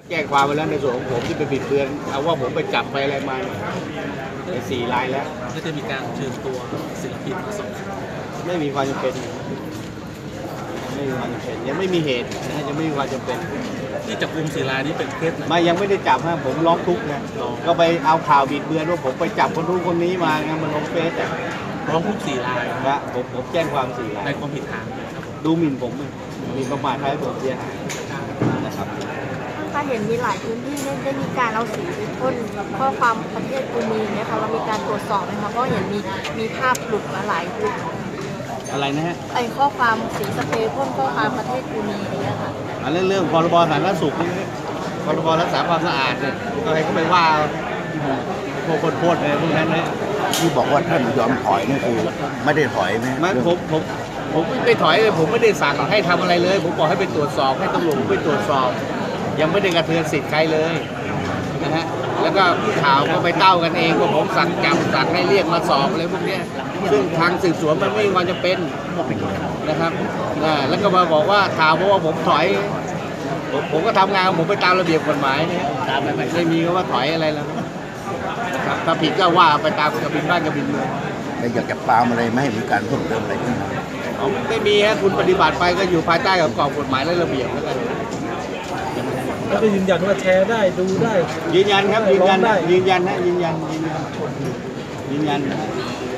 แจ้งความไปแล้วในส่วนของผมที่ไปบิดเบือนเอาว่าผมไปจับไปอะไรมาใน4 รายแล้วก็จะมีการเชิญตัวศิลปินมาสอบไม่มีความจำเป็นไม่มีความจำเป็นยังไม่มีเหตุนะยังไม่มีความจำเป็นที่จับกุม4 รายนี้เป็นเคสไหนยังไม่ได้จับฮะผมร้องทุกข์นะก็ไปเอาข่าวบิดเบือนว่าผมไปจับคนนู้นคนนี้มาไงมันลงเฟซแต่ร้องทุก4 รายนะผมแจ้งความ4 รายในความผิดฐานดูหมิ่นผมหมิ่นประมาทให้ผมเสียหายนะครับถ้าเห็นมีหลายพื้นที่ได้มีการเอาสีไปพ่นข้อความประเทศกูมีเนี่ยค่ะเรามีการตรวจสอบไหมคะเพราะเห็นมีภาพหลุดมาหลายคลิปอะไรนะฮะไอข้อความสีสเปรย์พ่นข้อความประเทศกูมีเนี่ยค่ะเรื่องพรบสาธารณสุขนี่พรบรักษาความสะอาดเนี่ยก็ให้เขาไปว่าพวกคนโพดอะไรพวกนั้นนะที่บอกว่าท่านยอมถอยนี่คือไม่ได้ถอยไหมผมไม่ถอยเลยผมไม่ได้สั่งให้ทำอะไรเลยผมบอกให้ไปตรวจสอบให้ตำรวจไปตรวจสอบยังไม่ได้กระเทือนสิทธิ์ใครเลยนะฮะแล้วก็ข่าวก็ไปเต้ากันเองว่าผมสั่งจับสั่งให้เรียกมาสอบอะไรพวกนี้ซึ่งทางสืบสวนมันไม่มีความจำเป็นนะครับแล้วก็มาบอกว่าข่าวเพราะว่าผมถอยผมก็ทำงานผมไปตามระเบียบกฎหมายเนี่ยไม่มีว่าถอยอะไรแล้วครับถ้าผิดก็ว่าไปตามกระบินบ้านกระบินเมืองอยากจะปรามอะไรไม่ให้มีการเพิ่มเติมอะไรขึ้นไม่มีฮะคุณปฏิบัติไปก็อยู่ภายใต้กับกรอบกฎหมายและระเบียบแล้วกันก็ยืนยันว่าแชร์ได้ดูได้ยืนยันครับยืนยันนะยืนยัน